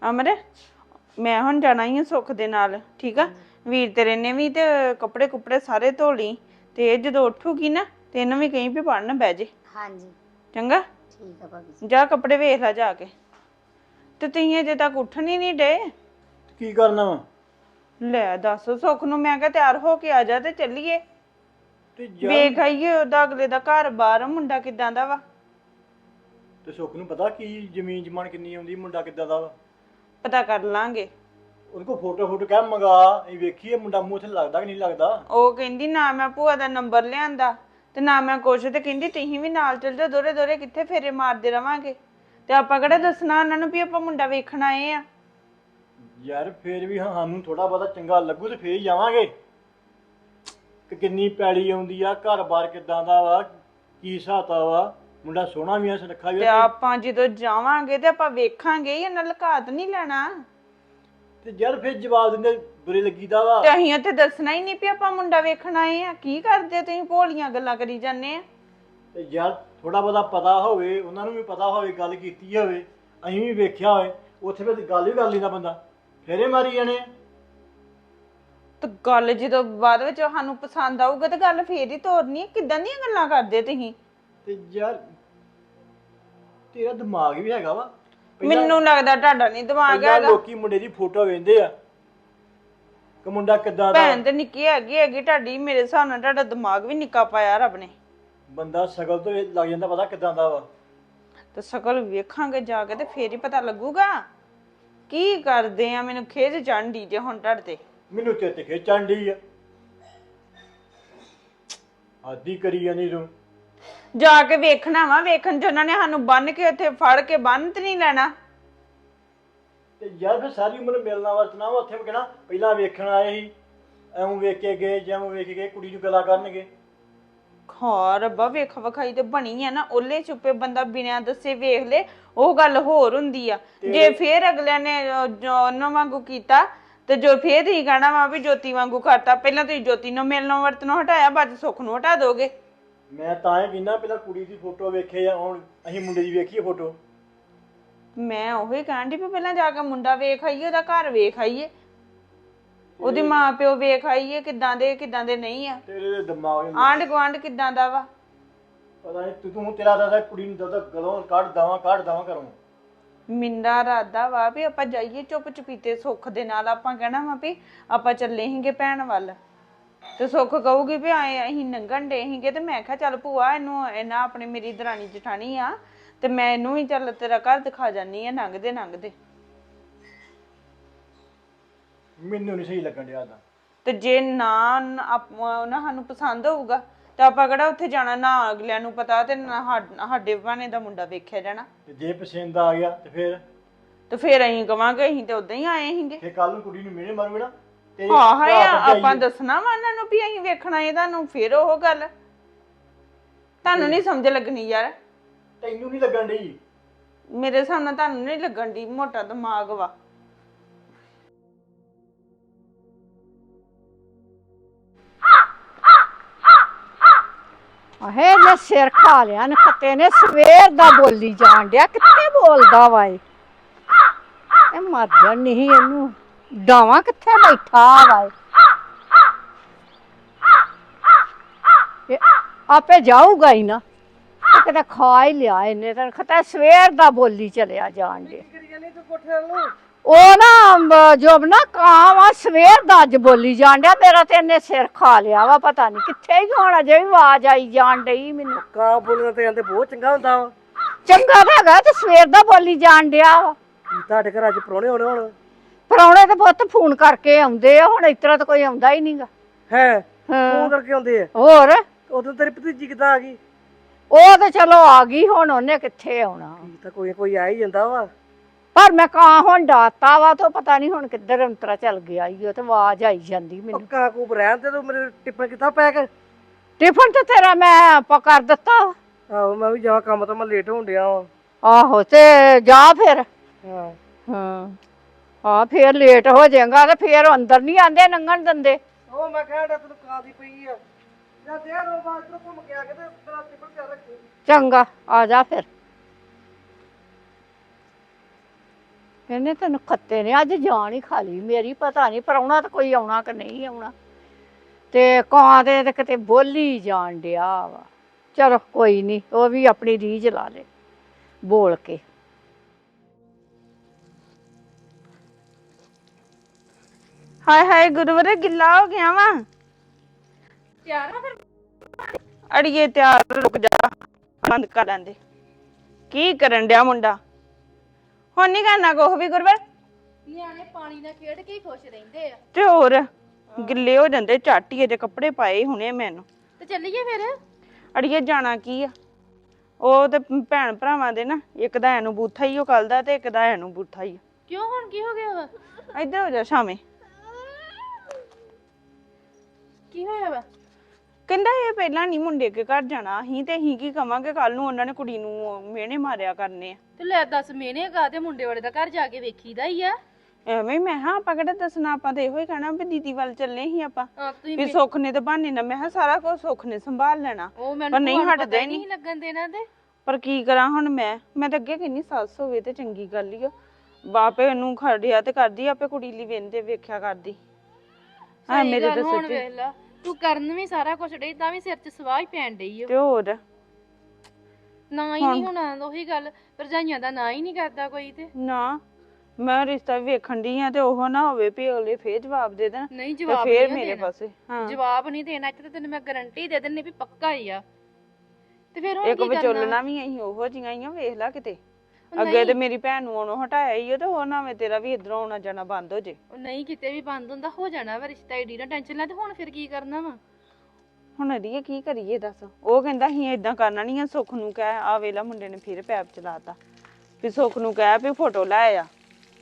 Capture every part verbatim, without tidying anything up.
ਅਮਰ ਮੈਂ ਹੁਣ ਜਾਣਾ ਹੀ ਆ ਸੁੱਖ ਦੇ ਨਾਲ, ਠੀਕ ਆ। ਵੀਰ ਤੇਰੇ ਨੇ ਵੀ ਤੇ ਕੱਪੜੇ ਕੁਪੜੇ ਸਾਰੇ ਧੋ ਲਈ, ਤੇ ਜਦੋਂ ਉੱਠੂਗੀ ਨਾ ਤੇ ਇਹਨੂੰ ਵੀ ਕਹੀਂ ਵੀ ਪੜਨ ਬਹਿ ਜੇ। ਹਾਂਜੀ ਚੰਗਾ, ਠੀਕ ਆ ਭਾਬੀ ਜੀ। ਜਾ ਕੱਪੜੇ ਵੇਖ ਲੈ ਜਾ ਕੇ। ਤੇ ਤੁਸੀਂ ਅਜੇ ਤੱਕ ਉੱਠਣ ਹੀ ਨਹੀਂ ਡੇ। ਕੀ ਕਰਨਾ ਵਾ? ਲੈ ਦੱਸ, ਸੁੱਖ ਨੂੰ ਮੈਂ ਕਿਹਾ ਤਿਆਰ ਹੋ ਕੇ ਆ ਜਾ ਤੇ ਚੱਲੀਏ, ਤੇ ਜਾ ਵੇਖ ਆਈਏ ਉਹਦਾ ਅਗਲੇ ਦਾ ਘਰ ਬਾਰ ਮੁੰਡਾ ਕਿਦਾਂ ਦਾ ਵਾ। ਤੇ ਸੁੱਖ ਨੂੰ ਪਤਾ ਕੀ ਜ਼ਮੀਨ ਜਮਾਨ ਕਿੰਨੀ ਆਉਂਦੀ, ਮੁੰਡਾ ਕਿੱਦਾਂ ਦਾ ਵਾ। ਪਤਾ ਕਰ ਲਾਂਗੇ। ਉਹਦੇ ਕੋਲ ਫੋਟੋ ਫੋਟੋ ਕਹਿ ਮੰਗਾ, ਇਹ ਵੇਖੀਏ ਮੁੰਡਾ ਮੂੰਹ ਉੱਥੇ ਲੱਗਦਾ ਕਿ ਨਹੀਂ ਲੱਗਦਾ। ਉਹ ਕਹਿੰਦੀ ਨਾ ਮੈਂ ਭੂਆ ਦਾ ਨੰਬਰ ਲਿਆਂਦਾ ਤੇ ਨਾ ਮੈਂ ਕੁਛ, ਤੇ ਕਹਿੰਦੀ ਤੁਸੀਂ ਵੀ ਨਾਲ ਚੱਲ ਜਾਓ, ਦੋਰੇ ਦੋਰੇ ਕਿੱਥੇ ਫੇਰੇ ਮਾਰਦੇ ਰਵਾਂਗੇ। ਤੇ ਆਪਾਂ ਕਿਹੜਾ ਦੱਸਣਾ ਉਹਨਾਂ ਨੂੰ ਵੀ ਆਪਾਂ ਮੁੰਡਾ ਵੇਖਣ ਆਏ ਆ। ਯਾਰ ਫੇਰ ਵੀ ਹਾਂ ਸਾਨੂੰ ਥੋੜਾ ਬਹੁਤਾ ਚੰਗਾ ਲੱਗੂ ਤੇ ਫੇਰ ਹੀ ਜਾਵਾਂਗੇ ਕਿ ਕਿੰਨੀ ਪੈਲੀ ਆਉਂਦੀ ਆ, ਘਰ-ਬਾਰ ਕਿੱਦਾਂ ਦਾ ਵਾ, ਕੀ ਹਿਸਾਬਤਾ ਵਾ। ਮੁੰਡਾ ਸੋਹਣਾ ਵੀ ਆ, ਸੁਨੱਖਾ ਵੀ ਤੇ ਆ। ਆਪਾਂ ਜਦੋਂ ਜਾਵਾਂਗੇ ਤੇ ਆਪਾਂ ਵੇਖਾਂਗੇ, ਇਹਨਾਂ ਲਕਾਤ ਨਹੀਂ ਲੈਣਾ। ਤੇ ਯਾਰ ਫੇਰ ਜਵਾਬ ਦਿੰਦੇ ਬੁਰੇ ਲੱਗੀਦਾ ਵਾ। ਤੇ ਅਸੀਂ ਉੱਥੇ ਦੱਸਣਾ ਹੀ ਨਹੀਂ ਵੀ ਆਪਾਂ ਮੁੰਡਾ ਵੇਖਣ ਆਏ ਆ। ਕੀ ਕਰਦੇ ਤੁਸੀਂ ਭੋਲੀਆਂ ਗੱਲਾਂ ਕਰੀ ਜਾਂਦੇ ਆ। ਤੇ ਯਾਰ ਥੋੜਾ ਬਹੁਤਾ ਪਤਾ ਹੋਵੇ, ਉਹਨਾਂ ਨੂੰ ਵੀ ਪਤਾ ਹੋਵੇ, ਗੱਲ ਕੀਤੀ ਹੋਵੇ, ਅਸੀਂ ਵੀ ਵੇਖਿਆ ਹੋਵੇ, ਉੱਥੇ ਫਿਰ ਗੱਲ ਵੀ ਕਰ ਲੈਂਦਾ ਬੰਦਾ, ਫੇਰੇ ਮਾਰੀ ਜਾਣੇ ਆ। ਤੇ ਗੱਲ ਜਦੋਂ ਬਾਅਦ ਵਿੱਚ ਸਾਨੂੰ ਪਸੰਦ ਆਊਗਾ ਤੇ ਗੱਲ ਫੇਰ ਹੀ ਤੋਰਨੀ। ਕਿੱਦਾਂ ਦੀਆਂ ਗੱਲਾਂ ਕਰਦੇ ਤੁਸੀਂ। ਤੇ ਯਾਰ ਤੇਰਾ ਦਿਮਾਗ ਵੀ ਹੈਗਾ ਵਾ। ਮੈਨੂੰ ਲੱਗਦਾ ਤੁਹਾਡਾ ਨਹੀਂ ਦਿਮਾਗ ਹੈਗਾ। ਲੋਕੀ ਮੁੰਡੇ ਦੀ ਫੋਟੋ ਵੇਖਦੇ ਆ ਕਿ ਮੁੰਡਾ ਕਿੱਦਾਂ ਦਾ। ਭੈਣ ਤੇ ਨਿੱਕੀ ਹੈਗੀ ਹੈਗੀ ਤੁਹਾਡੀ, ਮੇਰੇ ਹਿਸਾਬ ਨਾਲ ਤੁਹਾਡਾ ਦਿਮਾਗ ਵੀ ਨਿੱਕਾ ਪਾਇਆ ਰੱਬ ਨੇ। ਬੰਦਾ ਸ਼ਕਲ ਤੋਂ ਇਹ ਲੱਗ ਜਾਂਦਾ ਪਤਾ ਕਿੱਦਾਂ ਦਾ ਵਾ। ਤੇ ਸ਼ਕਲ ਵੇਖਾਂਗੇ ਜਾ ਕੇ ਤੇ ਫੇਰ ਹੀ ਪਤਾ ਲੱਗੂਗਾ ਕੀ ਕਰਦੇ ਆ। ਮੈਨੂੰ ਖੇਜ ਚੜ੍ਹਦੀ ਜੇ ਹੁਣ ਤੁਹਾਡੇ ਤੇ। ਮੈਨੂੰ ਤੇ ਤੇ ਖੇਚਣ ਡਈ ਆ, ਆਦੀ ਕਰੀ ਜਾਂਦੀ ਤੂੰ। ਜਾ ਕੇ ਵੇਖਣਾ ਵਾ, ਵੇਖਣ ਚ ਉਹਨਾਂ ਨੇ ਸਾਨੂੰ ਬੰਨ ਕੇ ਉੱਥੇ ਫੜ ਕੇ ਬੰਨ ਤੇ ਨਹੀਂ ਲੈਣਾ। ਤੇ ਯਾਰ ਫਿਰ ਸਾਰੀ ਉਮਰ ਮਿਲਣਾ ਵਰਤਣਾ ਵਾ। ਉੱਥੇ ਕਹਿਣਾ ਪਹਿਲਾਂ ਵੇਖਣ ਆਏ ਸੀ, ਐਵੇਂ ਵੇਖ ਕੇ ਗਏ, ਜਿਵੇਂ ਵੇਖ ਕੇ ਗਏ ਕੁੜੀ ਨੂੰ ਗੱਲਾਂ ਕਰਨਗੇ। ਹਾਂ ਰੱਬਾ, ਵੇਖ ਵਿਖਾਈ ਤੇ ਬਣੀ ਆ ਨਾ। ਓਲੇ ਚੁੱਪੇ ਬੰਦਾ ਬਿਨਾਂ ਦੱਸੇ ਵੇਖ ਲੇ, ਉਹ ਗੱਲ ਹੋਰ ਹੁੰਦੀ ਆ। ਜੇ ਫੇਰ ਅਗਲਿਆਂ ਨੇ ਉਹਨਾਂ ਵਾਂਗੂ ਕੀਤਾ ਤੇ ਜੋ ਫੇਰ ਹੀ ਕਹਿਣਾ ਵਾ ਵੀ ਜੋਤੀ ਵਾਂਗੂ ਕਰਤਾ। ਪਹਿਲਾਂ ਤੁਸੀਂ ਜੋਤੀ ਨੂੰ ਮਿਲਣੋਂ ਵਰਤਨੋਂ ਹਟਾਇਆ, ਬਾਅਦ ਸੁੱਖ ਨੂੰ ਹਟਾ ਦੋਗੇ। ਮੈਂ ਤਾਂ ਇਹ ਕਹਿੰਦਾ ਪਹਿਲਾਂ ਕੁੜੀ ਦੀ ਫੋਟੋ ਵੇਖੇ ਆ, ਹੁਣ ਅਸੀਂ ਮੁੰਡੇ ਦੀ ਵੇਖੀਏ ਫੋਟੋ। ਮੈਂ ਉਹੀ ਕਹਿਣ ਡਈ ਵੀ ਪਹਿਲਾਂ ਜਾ ਕੇ ਮੁੰਡਾ ਵੇਖ ਆਈਏ, ਉਹਦਾ ਘਰ ਵੇਖ ਆਈਏ, ਉਹਦੇ ਮਾਂ ਪਿਓ ਵੇਖ ਆਈਏ ਕਿੱਦਾਂ ਦੇ ਕਿੱਦਾਂ ਦੇ ਨਹੀਂ ਆ, ਤੇਰੇ ਦਿਮਾਗ ਆਂਢ ਗੁਆਂਢ ਕਿੱਦਾਂ ਦਾ ਵਾ। ਪਤਾ ਨਹੀਂ ਤੂੰ ਤੂੰ ਤੇਰਾ ਦਾਦਾ ਕੁੜੀ ਨੂੰ ਦਾਦਾ ਗਲੋਂ ਕੱਢ ਦਵਾਂ ਕੱਢ ਦਵਾਂ ਕਰੂੰ। ਮਿੰਦਾ ਇਰਾਦਾ ਵਾ ਵੀ ਆਪਾਂ ਜਾਈਏ ਚੁੱਪ ਚੁਪੀਤੇ ਸੁੱਖ ਦੇ ਨਾਲ। ਆਪਾਂ ਕਹਿਣਾ ਵਾ ਵੀ ਆਪਾਂ ਚੱਲੇ ਸੀਗੇ ਭੈਣ ਵੱਲ, ਤੇ ਸੁੱਖ ਕਹੂਗੀ ਵੀ ਆਏ ਅਸੀਂ ਲੰਘਣ ਡੇ ਸੀਗੇ। ਤੇ ਮੈਂ ਕਿਹਾ ਚੱਲ ਭੂਆ ਇਹਨੂੰ ਇਹਨਾਂ ਆਪਣੀ ਮੇਰੀ ਦਰਾਣੀ ਜਠਾਣੀ ਆ, ਤੇ ਮੈਂ ਇਹਨੂੰ ਵੀ ਚੱਲ ਤੇਰਾ ਘਰ ਦਿਖਾ ਜਾਨੀ ਆ ਲੰਘਦੇ ਲੰਘਦੇ। ਮੈਨੂੰ ਨਹੀਂ ਸਹੀ ਲੱਗਣ ਡਿਆ ਦਾ। ਤੇ ਜੇ ਨਾ ਉਹਨਾਂ ਸਾਨੂੰ ਪਸੰਦ ਹੋਊਗਾ ਤਾਂ ਆਪਾਂ ਕਿਹੜਾ ਉੱਥੇ ਜਾਣਾ, ਨਾ ਅਗਲਿਆਂ ਨੂੰ ਪਤਾ ਤੇ ਨਾ ਸਾਡੇ ਭਾਣੇ ਦਾ ਮੁੰਡਾ ਵੇਖਿਆ ਜਾਣਾ। ਤੇ ਜੇ ਪਸੰਦ ਆ ਗਿਆ ਤੇ ਫਿਰ ਤੇ ਫੇਰ ਅਸੀਂ ਕਵਾਂਗੇ ਅਸੀਂ ਤੇ ਉਦਾਂ ਹੀ ਆਏ ਸੀਗੇ। ਫੇਰ ਕੱਲ ਨੂੰ ਕੁੜੀ ਨੂੰ ਮਿਹਣੇ ਮਾਰੂਗੇ ਨਾ ਤੇ ਹਾਂ ਹਾਂ ਆਪਾਂ ਦੱਸਣਾ ਵਾ ਉਹਨਾਂ ਨੂੰ ਵੀ ਅਸੀਂ ਵੇਖਣਾ ਇਹ ਤੁਹਾਨੂੰ। ਫੇਰ ਉਹ ਗੱਲ ਤੁਹਾਨੂੰ ਨਹੀਂ ਸਮਝ ਲੱਗਣੀ ਯਾਰ। ਤੈਨੂੰ ਨਹੀਂ ਲੱਗਣ ਡਈ? ਮੇਰੇ ਹਿਸਾਬ ਨਾਲ ਤੁਹਾਨੂੰ ਨਹੀਂ ਲੱਗਣ ਦੀ, ਮੋਟਾ ਦਿਮਾਗ ਵਾ। ਆਹੇ ਨੇ ਸਿਰ ਖਾ ਲਿਆ ਨੇ ਖੱਤੇ ਨੇ, ਸਵੇਰ ਦਾ ਬੋਲੀ ਜਾਣ ਡਿਆ। ਕਿੱਥੇ ਬੋਲਦਾ ਵਾ ਇਹ? ਇਹ ਮਰ ਜਾਣ ਨਹੀਂ ਇਹਨੂੰ ਡਾਵਾਂ ਕਿੱਥੇ ਬੈਠਾ ਵਾ ਇਹ? ਆਪੇ ਜਾਊਗਾ ਹੀ ਨਾ, ਕਿਤੇ ਖਾ ਹੀ ਲਿਆ ਇਹਨੇ ਤਾਂ। ਖੱਤਾ ਸਵੇਰ ਦਾ ਬੋਲੀ ਚਲਿਆ ਜਾਣ ਡਿਆ। ਉਹ ਨਾ ਜੋਬ ਨਾ ਕਾਂ ਵਾ, ਸਵੇਰ ਦਾ ਅੱਜ ਬੋਲੀ ਜਾਣ ਡਿਆ। ਮੇਰਾ ਤੇ ਇਹਨੇ ਸਿਰ ਖਾ ਲਿਆ ਵਾ, ਪਤਾ ਨੀ ਕਿੱਥੇ ਹੀ ਹੋਣਾ। ਜੇ ਵੀ ਆਵਾਜ਼ ਆਈ ਜਾਣ ਡਈ ਮੈਨੂੰ। ਕਾਂ ਬੋਲਣਾ ਤੇ ਕਹਿੰਦੇ ਬਹੁਤ ਚੰਗਾ ਹੁੰਦਾ ਵਾ। ਚੰਗਾ ਤਾਂ ਹੈਗਾ, ਤੇ ਸਵੇਰ ਦਾ ਬੋਲੀ ਜਾਣ ਡਿਆ ਵਾ। ਤੁਹਾਡੇ ਘਰ ਅੱਜ ਪ੍ਰਾਹੁਣੇ ਹੋਣੇ ਹੁਣ? ਪ੍ਰਾਹੁਣੇ ਤੇ ਪੁੱਤ ਫੋਨ ਕਰਕੇ ਆਉਂਦੇ ਆ, ਹੁਣ ਇਸ ਤਰ੍ਹਾਂ ਤਾਂ ਕੋਈ ਆਉਂਦਾ ਹੀ ਨਹੀਂਗਾ। ਹੈ ਫੋਨ ਕਰਕੇ ਆਉਂਦੇ ਆ? ਹੋਰ ਉਦੋਂ ਤੇਰੀ ਭਤੀਜੀ ਕਿੱਦਾਂ ਆ ਗਈ? ਉਹ ਤੇ ਚਲੋ ਆ ਗਈ, ਹੁਣ ਉਹਨੇ ਕਿੱਥੇ ਆਉਣਾ। ਤਾਂ ਕੋਈ ਕੋਈ ਆ ਹੀ ਜਾਂਦਾ ਵਾ। ਪਰ ਮੈਂ ਕਾਂ ਹੁਣ ਡਾਤਾ ਵਾ, ਤੇ ਪਤਾ ਨੀ ਹੁਣ ਕਿੱਧਰ ਅੰਤਰਾ ਚੱਲ ਗਿਆ ਈ। ਉਹ ਤੇ ਆਵਾਜ਼ ਆਈ ਜਾਂਦੀ ਮੈਨੂੰ। ਕਾਂ ਕੂਪ ਰਹਿਣ ਤੇ ਤੂੰ ਮੇਰੇ ਟਿਫਨ ਕਿੱਥਾ ਪੈਕ? ਟਿਫਨ ਤੇ ਤੇਰਾ ਮੈਂ ਆਪਾਂ ਕਰ ਦਿੱਤਾ। ਆਹੋ ਮੈਂ ਵੀ ਜਾ ਕੰਮ ਤੋਂ, ਮੈਂ ਲੇਟ ਹੋਣ ਡਿਆ ਵਾ। ਆਹੋ ਤੇ ਜਾ ਫਿਰ। ਹਾਂ ਹਾਂ ਆ ਫੇਰ ਲੇਟ ਹੋ ਜਾਏਗਾ ਤੇ ਫੇਰ ਅੰਦਰ ਨਹੀਂ ਆਂਦੇ ਲੰਘਣ ਦਿੰਦੇ। ਉਹ ਮੈਂ ਕਹਿਣਾ ਤੈਨੂੰ ਕਾਂ ਦੀ ਪਈ ਆ ਜਾਂ ਦੇ ਰੋ ਬਾਅਦ ਤੋਂ ਘੁੰਮ ਕੇ ਆ ਕੇ ਤੇ ਤੇਰਾ ਟਿਫਨ ਕਰ ਰੱਖੀ। ਚੰਗਾ ਆ ਜਾ ਫਿਰ। ਇਹਨੇ ਤੈਨੂੰ ਖੱਤੇ ਨੇ ਅੱਜ ਜਾਨ ਹੀ ਖਾ ਲਈ ਮੇਰੀ। ਪਤਾ ਨਹੀਂ ਪ੍ਰਾਹੁਣਾ ਤਾਂ ਕੋਈ ਆਉਣਾ ਕਿ ਨਹੀਂ ਆਉਣਾ। ਤੇ ਕਾਂ ਦੇ ਤੇ ਕਿਤੇ ਬੋਲੀ ਜਾਣ ਡਿਆ ਵਾ। ਚਲੋ ਕੋਈ ਨਹੀਂ, ਉਹ ਵੀ ਆਪਣੀ ਰੀਝ ਲਾ ਲੇ ਬੋਲ ਕੇ। ਹਾਏ ਹਾਏ ਗੁਰਵਰ ਗਿੱਲਾ ਹੋ ਗਿਆ ਵਾ। ਤਿਆਰ ਆ ਫਿਰ? ਅੜੀਏ ਤਿਆਰ, ਰੁਕ ਜਾ, ਬੰਦ ਕਰ ਲੈਂਦੇ। ਕੀ ਕਰਨ ਡਿਆ ਮੁੰਡਾ? ਹੁਣ ਨਹੀਂ ਕਰਨਾ ਕੁਛ ਵੀ ਗੁਰਵਰ। ਨਿਆਣੇ ਪਾਣੀ ਨਾਲ ਖੇਡ ਕੇ ਹੀ ਖੁਸ਼ ਰਹਿੰਦੇ ਆ। ਤੇ ਹੋਰ ਗਿੱਲੇ ਹੋ ਜਾਂਦੇ ਝਾਟੀਏ ਦੇ ਕੱਪੜੇ ਪਾਏ ਹੁਣੇ ਮੈਨੂੰ। ਤੇ ਚੱਲੀਏ ਫਿਰ। ਅੜੀਏ ਜਾਣਾ ਕੀ ਆ? ਉਹ ਤੇ ਭੈਣ ਭਰਾਵਾਂ ਦੇ ਨਾ, ਇੱਕ ਦਾ ਇਹਨੂੰ ਬੂਥਾ ਹੀ ਉਹ ਕੱਲ ਦਾ ਤੇ ਇੱਕ ਦਾ ਇਹਨੂੰ ਬੂਥਾ ਹੀ। ਕਿਉਂ ਹੁਣ ਕੀ ਹੋ ਗਿਆ ਵਾ? ਇੱਧਰ ਹੋ ਜਾ ਸ਼ਾਮੇ। ਕੀ ਹੋਇਆ ਵਾ? ਕਹਿੰਦਾ ਇਹ ਪਹਿਲਾਂ ਨਹੀਂ ਮੁੰਡੇ ਕੇ ਘਰ ਜਾਣਾ ਅਸੀਂ, ਤੇ ਅਸੀਂ ਕੀ ਕਵਾਂਗੇ ਕੱਲ ਨੂੰ ਉਹਨਾਂ ਨੇ ਕੁੜੀ ਨੂੰ ਮਿਹਣੇ ਮਾਰਿਆ ਕਰਨੇ ਆ। ਤੇ ਲੈ ਦੱਸ, ਮੇਨੇ ਗਾ ਤੇ ਮੁੰਡੇ ਵਾਲੇ ਦਾ ਘਰ ਜਾ ਕੇ ਵੇਖੀਦਾ ਹੀ ਆ। ਐਵੇਂ ਮੈਂ ਹਾਂ ਆਪਾਂ ਕਿਹੜਾ ਦੱਸਣਾ, ਆਪਾਂ ਤੇ ਇਹੋ ਹੀ ਕਹਿਣਾ ਵੀ ਦੀਦੀ ਵੱਲ ਚੱਲੇ ਸੀ ਆਪਾਂ ਹਾਂ ਤੁਸੀਂ ਵੀ ਸੁੱਖ ਨੇ ਤੇ ਬਹਾਨੇ ਨਾਲ, ਮੈਂ ਕਿਹਾ ਸਾਰਾ ਕੁਝ ਸੁੱਖ ਨੇ ਸੰਭਾਲ ਲੈਣਾ। ਉਹ ਪਰ ਮੈਨੂੰ ਨਹੀਂ ਨਹੀਂ ਹਟਦੇ ਨਹੀਂ ਲੱਗਣ ਦੇਣਾ। ਤੇ ਪਰ ਕੀ ਕਰਾਂ ਹੁਣ ਮੈਂ ਮੈਂ ਤਾਂ ਅੱਗੇ ਕਹਿੰਨੀ ਸੱਸ ਹੋਵੇ ਤੇ ਚੰਗੀ ਗੱਲ ਹੀ ਆ। ਬਾਪੇ ਇਹਨੂੰ ਖੜਿਆ ਤੇ ਕਰਦੀ, ਆਪੇ ਕੁੜੀ ਲਈ ਵੇਂਦੇ ਵੇਖਿਆ ਕਰਦੀ। ਹਾਂ ਮੇਰੇ ਤੇ ਹੁਣ ਸੱਚੀ ਵੇਖ ਲਾ, ਤੂੰ ਕਰਨ ਵੀ ਸਾਰਾ ਕੁਝ ਡਈ ਤਾਂ ਵੀ ਸਿਰ 'ਚ ਸਵਾਹ ਹੀ ਪੈਣ ਡਈ ਓ। ਤੇ ਹੋਰ ਨਾ ਹੀ ਨਹੀਂ ਹੋਣਾ, ਉਹੀ ਗੱਲ, ਭਰਜਾਈਆਂ ਦਾ ਨਾ ਹੀ ਨਹੀਂ ਕਰਦਾ ਕੋਈ। ਤੇ ਨਾ ਮੈਂ ਰਿਸ਼ਤਾ ਵੀ ਵੇਖਣ ਦੀ ਆ ਤੇ ਉਹ ਨਾ ਹੋਵੇ ਵੀ ਅਗਲੇ ਫੇਰ ਜਵਾਬ ਦੇ ਦੇਣ ਨਹੀਂ ਤੇ ਜਵਾਬ ਫੇਰ ਨਹੀਂ ਮੇਰੇ ਦੇਣਾ। ਪਾਸੇ। ਹਾਂ ਜਵਾਬ ਨਹੀਂ ਦੇਣਾ ਇੱਥੇ, ਤੇ ਤੈਨੂੰ ਮੈਂ ਗਾਰੰਟੀ ਦੇ ਦਿੰਨੀ ਵੀ ਪੱਕਾ ਹੀ ਆ। ਤੇ ਫਿਰ ਹੁਣ ਇੱਕ ਕੀ ਕਰਨਾ? ਵਿਚੋਲਣਾ ਵੀ ਅਸੀਂ ਉਹੋ ਜਿਹੀਆਂ ਹੀ ਆ, ਵੇਖ ਲਾ ਕਿਤੇ ਅੱਗੇ ਤੇ ਮੇਰੀ ਭੈਣ ਨੂੰ ਉਹਨੂੰ ਹਟਾਇਆ ਹੀ ਉਹ, ਤੇ ਉਹ ਨਾ ਤੇਰਾ ਵੀ ਇਧਰੋਂ ਆਉਣਾ ਜਾਣਾ ਬੰਦ ਹੋ ਜੇ। ਉਹ ਨਹੀਂ ਕਿਤੇ ਵੀ ਬੰਦ ਹੁੰਦਾ, ਹੋ ਜਾਣਾ ਵਾ ਰਿਸ਼ਤਾ। ਏਡੀ ਨਾ ਟੈਨਸ਼ਨ ਲੈ। ਤੇ ਹੁਣ ਫਿਰ ਕੀ ਕਰਨਾ ਵਾ? ਹੁਣ ਅੜੀਏ ਕੀ ਕਰੀਏ ਦੱਸ? ਉਹ ਕਹਿੰਦਾ ਅਸੀਂ ਏਦਾਂ ਕਰਨਾ ਨਹੀਂ ਆ, ਸੁੱਖ ਨੂੰ ਕਹਿ। ਆ ਵੇਲਾ ਮੁੰਡੇ ਨੇ ਫਿਰ ਪੈਪ ਚਲਾਤਾ ਵੀ ਸੁੱਖ ਨੂੰ ਕਹਿ ਵੀ ਫੋਟੋ ਲੈ ਆ।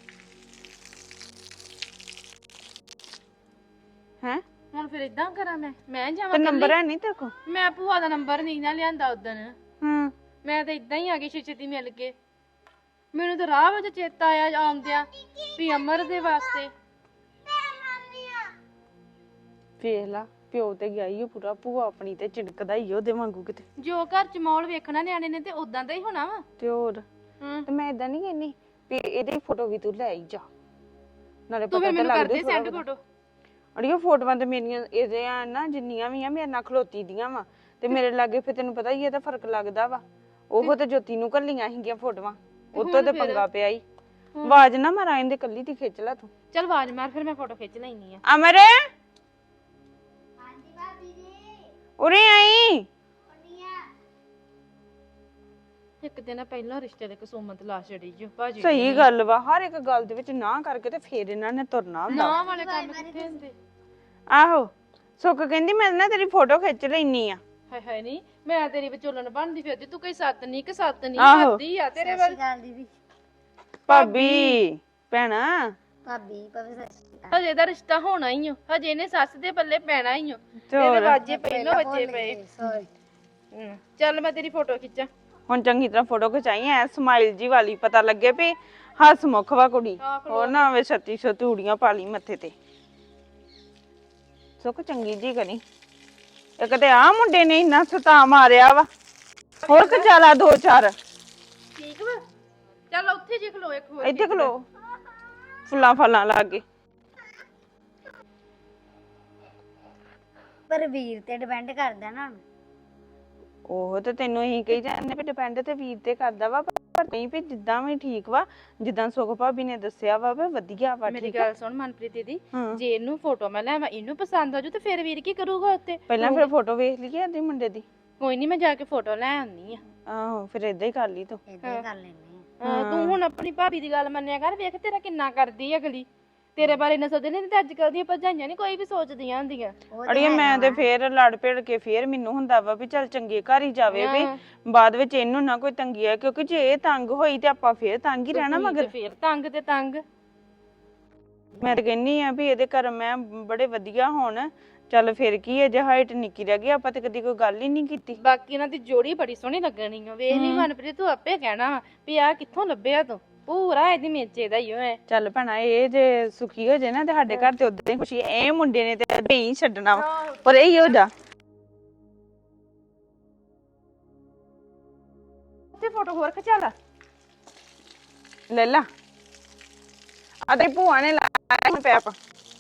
ਹੈ ਹੁਣ ਫਿਰ ਇਦਾਂ ਕਰਾਂ ਮੈਂ ਮੈਂ ਜਾਵਾਂ ਤੇ ਨੰਬਰ ਹੈ ਨਹੀਂ ਤੇਰੇ ਕੋਲ? ਮੈਂ ਭੂਆ ਦਾ ਨੰਬਰ ਨਹੀਂ ਨਾ ਲਿਆਂਦਾ ਉਦਣ। ਹਾਂ ਮੈਂ ਤਾਂ ਇਦਾਂ ਹੀ ਆ ਗਈ ਛੇਤੀ ਮਿਲ ਕੇ। ਮੈਨੂੰ ਤਾਂ ਰਾਹ ਵਿੱਚ ਚੇਤਾ ਆਇਆ ਆਉਂਦਿਆਂ ਵੀ ਅਮਰ ਦੇ ਵਾਸਤੇ। ਵੇਖ ਲਾ ਪਿਓ ਤੇ ਗਿਆ ਹੀ ਪੂਰਾ, ਭੂਆ ਆਪਣੀ ਤੇ ਚਿੜਕਦਾ ਹੀ ਉਹਦੇ ਵਾਂਗੂ ਕਿਤੇ। ਜੋ ਘਰ ਚ ਮੌਲ ਵੇਖਣਾ ਨਿਆਣੇ ਨੇ ਤੇ ਉਦਾਂ ਦਾ ਹੀ ਹੋਣਾ ਵਾ। ਤੇ ਹੋਰ ਹਾਂ ਤੇ ਮੈਂ ਇਦਾਂ ਨਹੀਂ ਕਹਿੰਦੀ ਵੀ ਇਹਦੀ ਫੋਟੋ ਵੀ ਤੂੰ ਲੈ ਆਈ ਜਾ, ਨਾਲੇ ਤੂੰ ਪਤਾ ਫਿਰ ਤਾਂ ਮੈਨੂੰ ਲੱਗਦਾ ਕਰਦੇ ਸੈਂਡ ਫੋਟੋ। ਅੜੀਓ ਫੋਟੋਆਂ ਤੇ ਮੇਰੀਆਂ ਇਹਦੇ ਆ ਨਾ ਜਿੰਨੀਆਂ ਵੀ ਆ ਮੇਰੇ ਨਾਲ ਖਲੋਤੀ ਦੀਆਂ ਵਾ, ਤੇ ਮੇਰੇ ਲਾਗੇ ਫਿਰ ਤੈਨੂੰ ਪਤਾ ਹੀ ਇਹਦਾ ਫਰਕ ਲੱਗਦਾ ਵਾ। ਉਹ ਤੇ ਜੋਤੀ ਨੂੰ ਕੱਲੀਆਂ ਸੀਗੀਆਂ ਫੋਟੋਆਂ, ਉੱਤੋਂ ਤੇ ਪੰਗਾ ਪਿਆ ਹੀ। ਆਵਾਜ਼ ਨਾ ਮਾਰਾਂ ਇਹਦੇ ਕੱਲੀ ਦੀ ਖਿੱਚ ਲੈ ਤੂੰ। ਚੱਲ ਆਵਾਜ਼ ਮਾਰ, ਫਿਰ ਮੈਂ ਫੋਟੋ ਖਿੱਚ ਲੈਣੀ ਆ। ਅਮਰ ਉਰੇ ਆਈ। ਇੱਕ ਦਿਨ ਪਹਿਲਾਂ ਰਿਸ਼ਤੇ ਦੇ ਕਸੂਮਤ ਲਾ ਛੜੀ ਜੋ ਭਾਜੀ। ਸਹੀ ਗੱਲ ਵਾ, ਹਰ ਇੱਕ ਗੱਲ ਦੇ ਵਿੱਚ ਨਾ ਕਰਕੇ ਤੇ ਫੇਰ ਇਹਨਾਂ ਨੇ ਤੁਰਨਾ ਹੁੰਦਾ। ਨਾ ਵਾਲੇ ਕੰਮ ਕਿੱਥੇ ਹੁੰਦੇ? ਆਹੋ ਸੁੱਖ ਕਹਿੰਦੀ ਮੈਂ ਨਾ ਤੇਰੀ ਫੋਟੋ ਖਿੱਚ ਲੈਣੀ ਆ। ਹਾਏ ਹਾਏ ਨਹੀਂ, ਮੈਂ ਤੇਰੀ ਵਿਚੋਲਣ ਬਣਦੀ ਫਿਰਦੀ, ਤੂੰ ਕੋਈ ਸੱਤ ਨਹੀਂ ਕਿ ਸੱਤ ਨਹੀਂ ਆਹੋ। ਕਰਦੀ ਆ ਤੇਰੇ ਵੱਲ। ਭਾਬੀ ਭੈਣਾ ਭਾਬੀ ਭਾਬੀ ਸੱਚੀ ਹਜੇ ਦਾ ਰਿਸ਼ਤਾ ਹੋਣਾ ਹੀ ਓ, ਹਜੇ ਇਹਨੇ ਸੱਸ ਦੇ ਪੱਲੇ ਪੈਣਾ ਹੀ ਓ। ਤੇ ਇਹਦੇ ਹੋਰ ਵਾਜੇ ਪਹਿਲਾਂ ਵੱਜੇ ਪਏ। ਸੌਰੀ ਹਮ, ਚੱਲ ਮੈਂ ਤੇਰੀ ਫੋਟੋ ਖਿੱਚਾਂ। ਹੁਣ ਚੰਗੀ ਤਰ੍ਹਾਂ ਫੋਟੋ ਖਿਚਾਈ ਐ ਸਮਾਈਲ ਜੀ ਵਾਲੀ, ਪਤਾ ਲੱਗੇ ਵੀ ਹੱਸ ਮੁੱਖ ਵਾ ਕੁੜੀ। ਹੋਰ ਨਾ ਹੋਵੇ ਛੱਤੀ ਛੱਤੀ ਊੜੀਆਂ ਪਾ ਲਈ ਮੱਥੇ ਤੇ। ਸੁੱਖ ਚੰਗੀ ਜੀ ਕਰੀ। ਇੱਕ ਤੇ ਆ ਮੁੰਡੇ ਨੇ ਇੰਨਾ ਸਤਾ ਮਾਰਿਆ ਵਾ, ਹੋਰ ਕਚਾਲਾ ਦੋ ਚਾਰ। ਠੀਕ ਵਾ, ਚੱਲ ਉੱਥੇ ਜੇ ਖਲੋ ਇੱਕ ਹੋਰ। ਇੱਥੇ ਖਲੋ ਫੁੱਲਾਂ ਫਲਾਂ ਲੱਗ ਗਏ। ਪਰ ਵੀਰ ਤੇ ਡਿਪੈਂਡ ਕਰਦਾ ਨਾ। ਉਹ ਤੇ ਤੈਨੂੰ ਅਸੀਂ ਕਹੀ ਜਾਂਦੇ ਵੀ ਡਿਪੈਂਡ ਤੇ ਵੀਰ ਤੇ ਕਰਦਾ ਵਾ, ਪਰ ਨਹੀਂ ਵੀ ਜਿੱਦਾਂ ਵੀ ਠੀਕ ਵਾ, ਜਿੱਦਾਂ ਸੁਖ ਭਾਬੀ ਨੇ ਦੱਸਿਆ ਵਾ ਵੀ ਵਧੀਆ ਵਾ। ਮੇਰੀ ਠੀਕ ਆ ਗੱਲ ਸੁਣ ਮਨਪ੍ਰੀਤ ਦੀਦੀ, ਹਾਂ। ਜੇ ਇਹਨੂੰ ਫੋਟੋ ਮੈਂ ਲੈਵਾਂ, ਇਹਨੂੰ ਪਸੰਦ ਆ ਜੂ ਤੇ ਫਿਰ ਵੀਰ ਕੀ ਕਰੂਗਾ ਉੱਤੇ? ਪਹਿਲਾਂ ਫਿਰ ਫੋਟੋ ਵੇਖ ਲਈਏ ਇਹਦੇ ਮੁੰਡੇ ਦੀ। ਕੋਈ ਨਹੀਂ, ਮੈਂ ਜਾ ਕੇ ਫੋਟੋ ਲੈ ਆਉਣੀ ਆ। ਆਹੋ ਫਿਰ ਏਦਾਂ ਹੀ ਕਰ ਲਈ ਤੂੰ। ਏਦਾਂ ਹੀ ਕਰ ਲੈਨੇ ਆ। ਹਾਂ, ਤੂੰ ਹੁਣ ਆਪਣੀ ਭਾਬੀ ਦੀ ਗੱਲ ਮੰਨਿਆ ਕਰ, ਵੇਖ ਤੇਰਾ ਕਿੰਨਾ ਕਰਦੀ ਆ ਅਗਲੀ। ਤੇਰੇ ਬਾਰੇ ਨਾ ਸੋਚਦੇ ਨਹੀਂ ਤੇ ਅੱਜ ਕੱਲ ਦੀਆਂ ਭਰਜਾਈਆਂ ਨਹੀਂ ਕੋਈ ਵੀ ਸੋਚਦੀਆਂ ਹੁੰਦੀਆਂ। ਅੜੀਏ ਮੈਂ ਤੇ ਫੇਰ ਲੜ ਭਿੜ ਕੇ ਫੇਰ ਮੈਨੂੰ ਹੁੰਦਾ ਵਾ ਵੀ ਚੱਲ ਚੰਗੇ ਘਰ ਹੀ ਜਾਵੇ, ਵੀ ਬਾਅਦ ਵਿੱਚ ਇਹਨੂੰ ਨਾ ਕੋਈ ਤੰਗੀ ਆ, ਕਿਉਂਕਿ ਜੇ ਇਹ ਤੰਗ ਹੋਈ ਤੇ ਆਪਾਂ ਫੇਰ ਤੰਗ ਹੀ ਰਹਿਣਾ ਮਗਰ। ਫੇਰ ਤੰਗ ਤੇ ਤੰਗ। ਮੈਂ ਤਾਂ ਕਹਿੰਨੀ ਆ ਵੀ ਇਹਦੇ ਘਰ ਮੈਂ ਬੜੇ ਵਧੀਆ ਹੋਣ, ਚੱਲ ਫਿਰ ਕੀ ਹੈ, ਜੇ ਹਾਈਟ ਨਿੱਕੀ ਰਹਿ ਗਈ ਆਪਾਂ ਤੇ ਕਦੀ ਕੋਈ ਗੱਲ ਹੀ ਨਹੀਂ ਕੀਤੀ। ਬਾਕੀ ਇਹਨਾਂ ਦੀ ਜੋੜੀ ਬੜੀ ਸੋਹਣੀ ਲੱਗਣੀ ਆ, ਵੇਖ ਲਈ ਮਨਪ੍ਰੀਤ, ਤੂੰ ਆਪੇ ਕਹਿਣਾ ਵਾ ਵੀ ਆ ਕਿੱਥੋਂ ਲੱਭਿਆ ਤੂੰ, ਪੂਰਾ ਇਹਦੀ ਮੇਚੇ ਦਾ ਹੀ ਹੈ। ਚੱਲ ਭੈਣਾ ਇਹ ਜੇ ਸੁਖੀ ਹੋ ਜੇ ਨਾ ਤੇ ਸਾਡੇ ਘਰ ਤੇ ਉਦਾਂ ਹੀ ਖੁਸ਼ੀ। ਇਹ ਮੁੰਡੇ ਨੇ ਤੇ ਨਹੀਂ ਛੱਡਣਾ ਵਾ, ਪਰ ਇਹ ਹੋ ਜਾ ਤੇ ਫੋਟੋ ਹੋਰ ਖਿਚਾ ਲਾ। ਲੈ ਲਾ ਆ ਤੇ ਭੂਆ ਨੇ ਲਾਇਆ ਸੀ ਪੈਪ।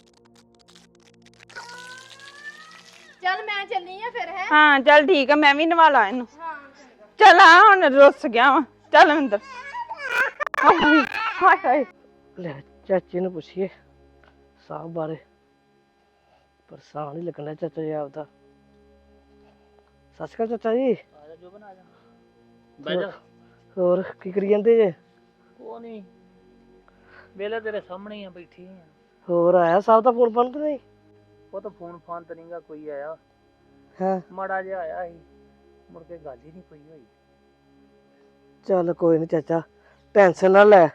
ਚੱਲ ਮੈਂ ਚੱਲੀ ਆ ਫਿਰ ਹੈ। ਹਾਂ ਚੱਲ ਠੀਕ ਆ, ਮੈਂ ਵੀ ਨਵਾ ਲਾ ਇਹਨੂੰ। ਹਾਂ ਚੱਲ ਆ ਹੁਣ ਰੁੱਸ ਗਿਆ ਵਾ, ਚੱਲ ਅੰਦਰ। ਹਾਏ ਹਾਏ ਹਾਏ। ਲੈ ਚਾਚੇ ਨੂੰ ਪੁੱਛੀਏ ਸਾਹ ਬਾਰੇ, ਪਰੇਸ਼ਾਨ ਹੀ ਲੱਗਣਾ ਚਾਚਾ ਜੀ ਆਪਦਾ। ਸਤਿ ਸ਼੍ਰੀ ਅਕਾਲ ਚਾਚਾ ਜੀ। ਆ ਜਾ ਜੋਬਨ ਆ ਜਾ ਬਹਿ ਜਾ। ਹੋਰ ਕੀ ਕਰੀ ਜਾਂਦੇ ਜੇ? ਕੋ ਨਹੀਂ ਵੇਲੇ ਤੇਰੇ ਸਾਹਮਣੇ ਹੀ ਆ ਬੈਠੀ ਆ। ਹੋਰ ਆਇਆ ਸਾਹਿਬ ਦਾ ਫੋਨ ਫੋਨ ਤੇ ਨਹੀਂ? ਉਹ ਤਾਂ ਫੋਨ ਫਾਨ ਤੇ ਨਹੀਂਗਾ ਕੋਈ ਆਇਆ, ਹਾਂ ਮਾੜਾ ਜਿਹਾ ਆਇਆ ਸੀ, ਮੁੜ ਕੇ ਗੱਲ ਹੀ ਨਹੀਂ ਕੋਈ ਹੋਈ। ਚੱਲ ਕੋਈ ਨਹੀਂ ਚਾਚਾ, ਟੈਨਸ਼ਨ ਨਾ ਲੈ।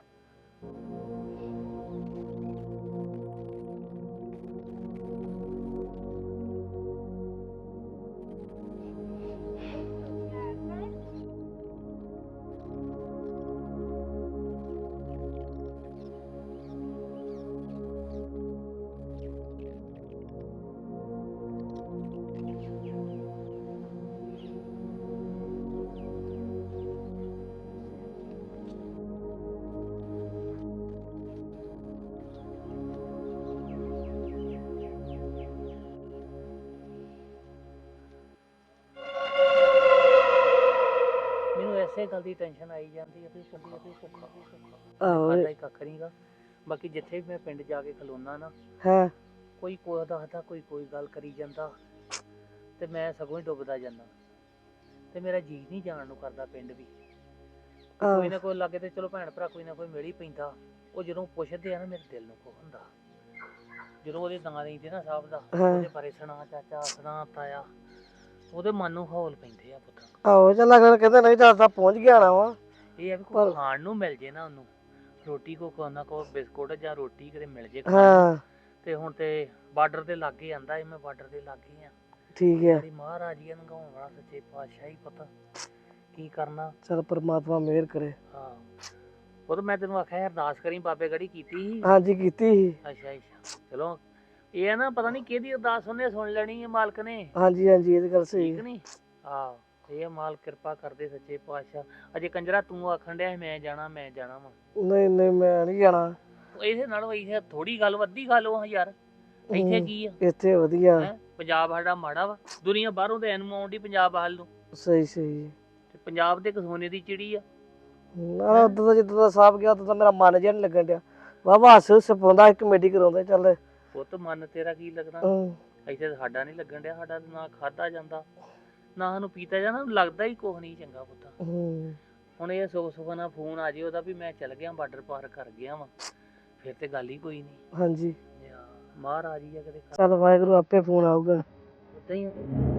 ਮੈਨੂੰ ਐਸੇ ਗੱਲ ਦੀ ਟੈਨਸ਼ਨ ਆਈ ਜਾਂਦੀ ਆ ਵੀ ਭੁੱਖਾ ਵੀ ਭੁੱਖਾ ਵੀ ਭੁੱਖਾ ਆਹੋ ਖਾਦਾ ਹੀ ਕੱਖ ਨਹੀਂਗਾ। ਬਾਕੀ ਜਿੱਥੇ ਵੀ ਮੈਂ ਪਿੰਡ ਜਾ ਕੇ ਖਲੋਨਾ ਨਾ, ਹਾਂ ਕੋਈ ਕੋਈ ਦੱਸਦਾ, ਕੋਈ ਕੋਈ ਗੱਲ ਕਰੀ ਜਾਂਦਾ ਤੇ ਮੈਂ ਸਗੋਂ ਹੀ ਡੁੱਬਦਾ ਜਾਂਦਾ ਤੇ ਮੇਰਾ ਜੀ ਨਹੀਂ ਜਾਣ ਨੂੰ ਕਰਦਾ ਪਿੰਡ ਵੀ। ਕੋਈ ਨਾ ਕੋਈ ਲਾਗੇ ਤੇ ਚਲੋ ਭੈਣ ਭਰਾ ਕੋਈ ਨਾ ਕੋਈ ਮਿਲ ਹੀ ਪੈਂਦਾ। ਉਹ ਜਦੋਂ ਪੁੱਛਦੇ ਆ ਨਾ ਮੇਰੇ ਦਿਲ ਨੂੰ ਕੋ ਹੁੰਦਾ, ਜਦੋਂ ਉਹਦੇ ਨਾਂ ਲੈਂਦੇ ਨਾ ਸਾਹਿਬ ਦਾ, ਉਹਦੇ ਬਾਰੇ ਸੁਣਾ ਚਾਚਾ ਸੁਣਾ ਤਾਇਆ, ਉਹਦੇ ਮਨ ਨੂੰ ਹੌਲ ਪੈਂਦੇ ਆ ਪੁੱਤ। ਆਹੋ ਚੱਲ ਅਗਰ ਕਹਿੰਦੇ ਨਹੀਂ ਚਾਚਾ ਪਹੁੰਚ ਗਿਆ ਨਾ ਵਾ। ਇਹ ਆ ਵੀ ਕੋਈ ਖਾਣ ਨੂੰ ਮਿਲ ਜੇ ਨਾ, ਉਹਨੂੰ ਰੋਟੀ ਕੋ ਕੋਨਾ ਕੋ ਬਿਸਕੁਟ ਜਾਂ ਰੋਟੀ ਕਿਤੇ ਮਿਲ ਜੇ ਹਾਂ ਤੇ ਹੁਣ ਤੇ ਬਾਰਡਰ ਦੇ ਲਾਗੇ ਆਂਦਾ ਮੈਂ ਬਾਰਡਰ ਦੇ ਲਾਗੇ ਆ। ਠੀਕ ਹੈ। ਮੇਰੀ ਮਹਾਰਾਜ ਜੀ ਨੂੰ ਗਾਉਣ ਵਾਲਾ ਸੱਚੇ ਪਾਤਸ਼ਾਹ ਹੀ ਪਤਾ ਕੀ ਕਰਨਾ। ਚੱਲ ਪਰਮਾਤਮਾ ਮਿਹਰ ਕਰੇ। ਹਾਂ ਉਹ ਤਾਂ ਮੈਂ ਤੈਨੂੰ ਆਖਿਆ ਅਰਦਾਸ ਕਰੀ, ਬਾਬੇ ਗੜੀ ਕੀਤੀ ਸੀ। ਹਾਂਜੀ ਕੀਤੀ ਸੀ। ਅੱਛਾ ਅੱਛਾ ਚਲੋ ਇਹ ਆ ਨਾ, ਪਤਾ ਨਹੀਂ ਕਿਹਦੀ ਅਰਦਾਸ ਉਹਨੇ ਸੁਣ ਲੈਣੀ ਹੈ ਮਾਲਕ ਨੇ। ਹਾਂਜੀ ਹਾਂਜੀ ਇਹ ਤਾਂ ਗੱਲ ਸਹੀ ਠੀਕ ਨਹੀਂ? ਆਹ ਇਹ ਮਾਲਕ ਕਿਰਪਾ ਕਰਦੇ ਸੱਚੇ ਪਾਤਸ਼ਾਹ। ਅਜੇ ਕੰਜਰਾ ਤੂੰ ਆਖਣ ਡਿਆ ਮੈਂ ਜਾਣਾ ਮੈਂ ਜਾਣਾ ਵਾ। ਨਹੀਂ ਨਹੀਂ ਮੈਂ ਨਹੀਂ ਜਾਣਾ। ਇਹਦੇ ਨਾਲ ਇਹ ਥੋੜੀ ਗੱਲ ਵੱਡੀ ਗੱਲ ਉਹ ਯਾਰ, ਇੱਥੇ ਕੀ ਆ? ਇੱਥੇ ਵਧੀਆ। ਹੈਂ? ਪੰਜਾਬ ਸਾਡਾ ਮਾੜਾ ਵਾ, ਦੁਨੀਆ ਬਾਹਰੋਂ ਤੇ ਐਨੂੰ ਆਉਂਦੀ ਪੰਜਾਬ ਹਾਲ ਨੂੰ। ਸਹੀ ਸਹੀ। ਤੇ ਪੰਜਾਬ ਦੇ ਸੋਨੇ ਦੀ ਚਿੜੀ ਆ। ਨਾ ਉਦੋਂ ਦਾ ਜਿੱਦਾਂ ਦਾ ਸਾਹਿਬ ਗਿਆ ਉਦੋਂ ਦਾ ਮੇਰਾ ਮਨ ਜਿਹਾ ਨੀ ਲੱਗਣ ਡਿਆ। ਵਾਵਾ ਹੱਸ ਹੁੱਸ ਪਾਉਂਦਾ, ਕਮੇਡੀ ਕਰਾਉਂਦਾ। ਚੱਲ ਪੁੱਤ ਮਨ ਤੇਰਾ ਕੀ ਲੱਗਣਾ, ਇੱਥੇ ਤਾਂ ਸਾਡਾ ਨਹੀਂ ਲੱਗਣ ਡਿਆ। ਸਾਡਾ ਨਾ ਖਾਦਾ ਜਾਂਦਾ ਨਾ ਸਾਨੂੰ ਪੀਤਾ ਜਾਂਦਾ, ਲੱਗਦਾ ਹੀ ਕੁਛ ਨਹੀਂ ਚੰਗਾ ਪੁੱਤ। ਹੁਣ ਇਹ ਸੁੱਖ ਸੁੱਖ ਨਾਲ ਫੋਨ ਆ ਜੇ ਉਹਦਾ ਵੀ ਮੈਂ ਚੱਲ ਗਿਆ ਬਾਰਡਰ ਪਾਰ ਕਰ ਗਿਆ ਵਾ, ਫਿਰ ਤੇ ਗੱਲ ਹੀ ਕੋਈ ਨਹੀਂ। ਹਾਂਜੀ ਮਹਾਰਾਜ ਹੀ ਆ ਕਿਤੇ। ਚੱਲ ਵਾਹਿਗੁਰੂ ਆਪੇ ਫੋਨ ਆਊਗਾ। ਉਦਾਂ ਹੀ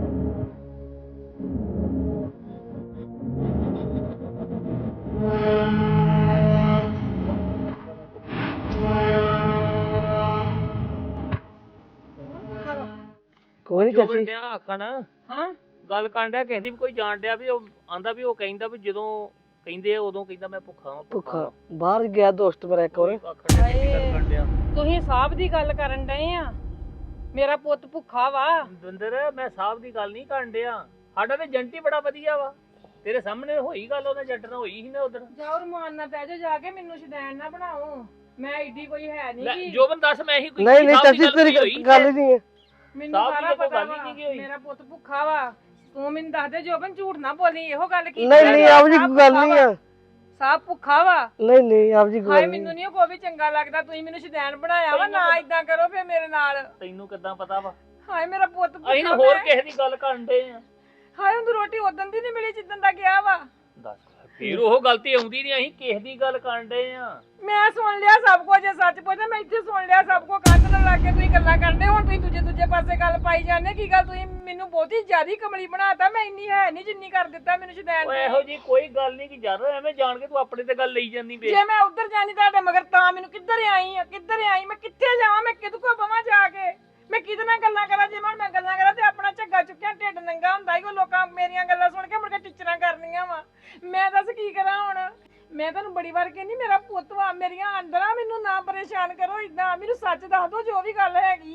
ਕੋਈ ਨੀ ਜੋ ਚਾਚੀ। ਬੰਦਿਆ ਆਖਣ ਹਾਂ ਗੱਲ ਕਰਨ ਡਿਆ, ਕਹਿੰਦੀ ਵੀ ਕੋਈ ਜਾਣ ਡਿਆ ਵੀ ਉਹ ਆਂਦਾ ਵੀ ਉਹ ਕਹਿੰਦਾ ਵੀ ਜਦੋਂ ਕਹਿੰਦੇ ਆ ਉਦੋਂ ਕਹਿੰਦਾ ਮੈਂ ਭੁੱਖਾ ਹਾਂ ਭੁੱਖਾ ਬਾਹਰ ਗਿਆ ਦੋਸਤ ਮੇਰਾ ਇੱਕ ਵਾਰ। ਤੁਸੀਂ ਸਾਹਿਬ ਦੀ ਗੱਲ ਕਰਨ ਡਏ ਆ, ਮੇਰਾ ਪੁੱਤ ਭੁੱਖਾ ਵਾ। ਦਵਿੰਦਰ ਮੈਂ ਸਾਹਿਬ ਦੀ ਗੱਲ ਨਹੀਂ ਕਰਨ ਡਿਆ, ਸਾਡਾ ਤੇ ਜੰਟੀ ਬੜਾ ਵਧੀਆ ਵਾ। ਤੇਰੇ ਸਾਹਮਣੇ ਹੋਈ ਗੱਲ, ਉਹਨੇ ਜੱਟ ਨਾਲ ਹੋਈ ਸੀ ਨਾ ਉਧਰ। ਜਾਓ ਰਮਾਨ ਨਾਲ ਬਹਿ ਜਾਓ ਜਾ ਕੇ, ਮੈਨੂੰ ਸ਼ੈਤਾਨ ਨਾ ਬਣਾਓ। ਮੈਂ ਏਡੀ ਕੋਈ ਹੈ ਨਹੀਂ। ਜੋਬਨ ਦੱਸ ਮੈਂ ਹੀ ਕੋਈ ਨਹੀਂ ਨਹੀਂ ਚਾਚੀ ਤੇਰੀ ਗੱਲ ਹੀ ਨਹੀਂ ਹੈ। ਮੈਨੂੰ ਸਾਰਾ ਪਤਾ ਵਾ ਮੇਰਾ ਪੁੱਤ ਭੁੱਖਾ ਵਾ। ਤੂੰ ਮੈਨੂੰ ਦੱਸ ਦੇ ਜੋਬਨ, ਝੂਠ ਨਾ ਬੋਲੀ। ਇਹੋ ਗੱਲ ਕੀ? ਨਹੀਂ ਨਹੀਂ ਆਪ ਜੀ ਕੋਈ ਗੱਲ ਨਹੀਂ ਆ। ਸਾਬ ਭੁੱਖਾ ਵਾ। ਨਹੀਂ ਨਹੀਂ ਆਪ ਜੀ ਕੋਈ ਹਾਏ ਗੱਲ ਨਹੀਂ। ਮੈਨੂੰ ਨਹੀਂ ਕੋਈ ਵੀ ਚੰਗਾ ਲੱਗਦਾ। ਤੁਸੀਂ ਮੈਨੂੰ ਸ਼ੈਤਾਨ ਬਣਾਇਆ ਵਾ, ਨਾ ਇਦਾਂ ਕਰੋ ਫੇਰ ਮੇਰੇ ਨਾਲ। ਤੈਨੂੰ ਕਿੱਦਾਂ ਪਤਾ ਵਾ? ਹਾਏ ਮੇਰਾ ਪੁੱਤ ਭੁੱਖਾ। ਅਸੀਂ ਹੋਰ ਕਿਸੇ ਦੀ ਗੱਲ ਕਰਨ ਡੇ ਆ। ਹਾਏ ਉਹਨੂੰ ਰੋਟੀ ਉਦੋਂ ਦੀ ਨਹੀਂ ਮਿਲੀ ਜਿੱਦਣ ਦਾ ਗਿਆ ਵਾ। ਦੱਸ ਫੇਰ ਉਹ ਗਲਤੀ ਆਉਂਦੀ ਨਹੀਂ, ਅਸੀਂ ਕਿਸੇ ਦੀ ਗੱਲ ਕਰਨ ਡੇ ਆ। ਮੈਂ ਸੁਣ ਲਿਆ ਸਭ ਕੁਝ, ਜੇ ਸੱਚ ਪੁੱਛਦਾ ਮੈਂ ਇੱਥੇ ਸੁਣ ਲਿਆ ਸਭ ਕੁਝ। ਕੰਨ ਨਾਲ ਲੱਗ ਕੇ ਤੁਸੀਂ ਗੱਲਾਂ ਕਰਦੇ, ਹੁਣ ਤੁਸੀਂ ਦੂਜੇ ਦੂਜੇ ਪਾਸੇ ਗੱਲ ਪਾਈ ਜਾਂਦੇ। ਕੀ ਗੱਲ ਤੁਸੀਂ ਮੈਨੂੰ ਬਹੁਤੀ ਜ਼ਿਆਦਾ ਕਮਲੀ ਬਣਾਤਾ। ਮੈਂ ਇੰਨੀ ਹੈ ਨਹੀਂ ਜਿੰਨੀ ਕਰ ਦਿੱਤਾ ਮੈਨੂੰ ਸ਼ੈਤਾਨ ਓਏ ਨੇ। ਇਹੋ ਜੀ ਕੋਈ ਗੱਲ ਨਹੀਂ ਕਿ ਯਾਰ ਐਵੇਂ ਜਾਣ ਕੇ ਤੂੰ ਆਪਣੇ ਤੇ ਗੱਲ ਲਈ ਜਾਂਦੀ ਬੇ। ਜੇ ਮੈਂ ਉੱਧਰ ਜਾਣੀ ਤੁਹਾਡੇ ਮਗਰ ਤਾਂ ਮੈਨੂੰ ਕਿੱਧਰ ਆਈ ਆ, ਕਿੱਧਰ ਆਈ? ਮੈਂ ਕਿੱਥੇ ਜਾਵਾਂ? ਮੈਂ ਕਿਹਦੇ ਕੋਲ ਬਵਾਂ ਜਾ ਕੇ? ਮੈਂ ਕਿਹਦੇ ਨਾਲ ਗੱਲਾਂ ਕਰਾਂ? ਜੇ ਮੈਂ ਗੱਲਾਂ ਕਰਾਂ ਤੇ ਆਪਣਾ ਝੱਗਾ ਚੁੱਕਿਆ ਢਿੱਡ ਨੰਗਾ ਹੁੰਦਾ ਹੀ। ਉਹ ਲੋਕਾਂ ਮੇਰੀਆਂ ਗੱਲਾਂ ਸੁਣ ਕੇ ਮੁੜ ਕੇ ਟੀਚਰਾਂ ਕਰਨੀਆਂ ਵਾ। ਮੈਂ ਦੱਸ ਕੀ ਕਰਾਂ ਹੁਣ? ਮੈਂ ਤੁਹਾਨੂੰ ਬੜੀ ਵਾਰ ਕਹਿੰਦੀ ਮੇਰਾ ਪੁੱਤ ਵਾ, ਮੇਰੀਆਂ ਅੰਦਰਾਂ ਮੈਨੂੰ ਨਾ ਪਰੇਸ਼ਾਨ ਕਰੋ ਇਦਾਂ। ਮੈਨੂੰ ਸੱਚ ਦੱਸ ਦੋ ਜੋ ਵੀ ਗੱਲ ਹੈਗੀ ਆ।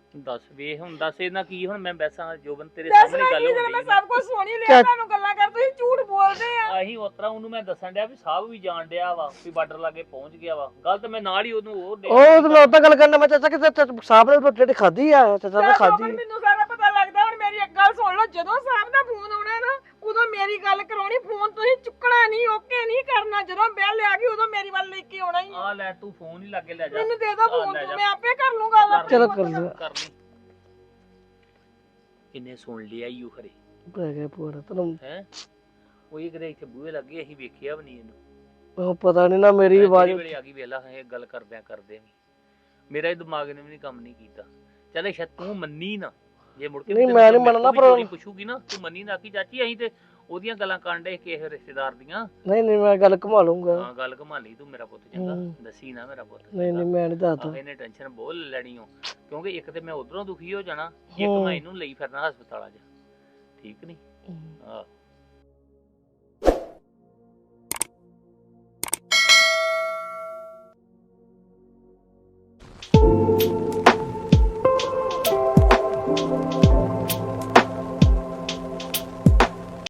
ਦੱਸ ਵੇ ਹੁਣ ਦੱਸ ਇਹਨਾਂ ਕੀ ਹੁਣ ਮੈਂ ਬੈਸਾਂ ਜੋਬਨ ਤੇਰੇ ਦੱਸਣਾ ਸਾਹਮਣੇ ਗੱਲ ਕੀ ਹੋ ਜਦੋਂ ਮੈਂ ਰਹੀ ਸਭ ਕੁਝ ਸੁਣ ਹੀ ਲਿਆ ਤੁਹਾਨੂੰ ਗੱਲਾਂ ਕਰ ਤੁਸੀਂ ਝੂਠ ਬੋਲਦੇ ਆ ਆਹੀ ਉਤਰਾ ਉਹਨੂੰ ਮੈਂ ਦੱਸਣ ਡਿਆ ਵੀ ਸਾਹਿਬ ਵੀ ਜਾਣ ਡਿਆ ਵਾ ਵੀ ਬਾਰਡਰ ਲਾਗੇ ਪਹੁੰਚ ਗਿਆ ਵਾ ਗੱਲ ਤੇ ਮੈਂ ਨਾਲ ਹੀ ਉਹਨੂੰ ਉਹ ਦੇ ਉਹ ਤੇ ਮੈਂ ਉਦਾਂ ਗੱਲ ਕਰਨਾ ਮੈਂ ਚਾਚਾ ਕਿ ਸਾਹਿਬ ਨੇ ਰੋਟੀ ਰੋਟੀ ਖਾਧੀ ਆ ਚਾਚਾ ਨੇ ਚੱਲ ਖਾਧੀ ਜੋਬਨ, ਮੈਨੂੰ ਸਾਰਾ ਪਤਾ ਲੱਗਦਾ ਹੁਣ ਮੇਰੀ ਇੱਕ ਗੱਲ ਸੁਣ ਲਓ ਜਦੋਂ ਸਾਹਿਬ ਦਾ ਫੋਨ ਆਉਣਾ ਨਾ ਉਦੋਂ ਮੇਰੀ ਗੱਲ ਕਰਾਉਣੀ ਫੋਨ ਤੁਸੀਂ ਚੁੱਕਣਾ ਨਹੀਂ ਓਕੇ ਨਹੀਂ ਕਰਨਾ ਜਦੋਂ ਬੈਲ ਆ ਗਈ ਉਦੋਂ ਮੇਰੀ ਵੱਲ ਲੈ ਕੇ ਆਉਣਾ ਹੀ ਆ। ਆ ਲੈ ਤੂੰ ਫੋਨ ਹੀ ਲਾਗੇ ਲੈ ਜਾ ਮੈਨੂੰ ਦੇ ਦੋ ਫੋਨ ਲੈ ਤੂੰ ਜਾ। ਮੈਂ ਆਪੇ ਕਰ ਲੂੰ ਗੱਲ ਆਪਣੀ ਚਲੋ ਪੁੱਤ ਕਰ ਨਾਲ। ਲਿਆ ਕਰ ਲਈ ਕਿੰਨੇ ਸੁਣ ਲਿਆ ਈਓ ਖਰੇ ਪੈ ਗਿਆ ਪੂਰਾ ਤੈਨੂੰ ਹੈ ਉਹ ਇਹ ਕਦੇ ਇੱਥੇ ਬੂਹੇ ਲੱਗੇ ਅਸੀਂ ਵੇਖਿਆ ਵੀ ਨਹੀਂ ਇਹਨੂੰ ਉਹ ਪਤਾ ਨਹੀਂ ਨਾ ਮੇਰੀ ਆਵਾਜ਼ ਵੇਲੇ ਆ ਗਈ ਵੇਲਾ ਇਹ ਗੱਲ ਕਰਦਿਆਂ ਕਰਦੇ ਵੀ ਮੇਰਾ ਇਹ ਦਿਮਾਗ ਨੇ ਵੀ ਨਹੀਂ ਕੰਮ ਨਹੀਂ ਕੀਤਾ ਚੱਲ ਸ਼ਾਇਦ ਤੂੰ ਮੰਨੀ ਨਾ ਜੇ ਮੁੜ ਕੇ ਨਹੀਂ, ਵੀ ਮੈਂ ਤੈਨੂੰ ਨਹੀਂ ਮੰਨਣਾ, ਵੀ ਪਰ- ਚੋਰੀ ਪੁੱਛੂਗੀ ਨਾ ਤੂੰ ਮੰਨੀ ਨਾ ਕਿ ਚਾਚੀ ਅਸੀਂ ਤੇ ਉਹਦੀਆਂ ਗੱਲਾਂ ਕਾਂਡੇ ਕਿਸੇ ਰਿਸ਼ਤੇਦਾਰ ਦੀਆਂ ਨਹੀਂ ਨਹੀਂ ਮੈਂ ਗੱਲ ਘੁਮਾ ਲੂੰਗਾ ਹਾਂ ਗੱਲ ਘੁਮਾ ਲਈ ਤੂੰ ਮੇਰਾ ਪੁੱਤ ਚੰਗਾ ਹੂੰ। ਦੱਸੀ ਨਾ ਮੇਰਾ ਪੁੱਤ ਨਹੀਂ ਨਹੀਂ ਮੈਂ ਨਹੀਂ ਦੱਸਦਾ ਆਹ ਇਹਨੇ ਟੈਨਸ਼ਨ ਬਹੁਤ ਲੈ ਲੈਣੀ ਹੋ ਕਿਉਂਕਿ ਇੱਕ ਤੇ ਮੈਂ ਉਧਰੋਂ ਦੁਖੀ ਹੋ ਜਾਣਾ ਇੱਕ ਹੂੰ। ਮੈਂ ਇਹਨੂੰ ਲਈ ਫਿਰਨਾ ਹਸਪਤਾਲਾਂ 'ਚ ਠੀਕ ਨਹੀਂ ਹੂੰ। ਆਹ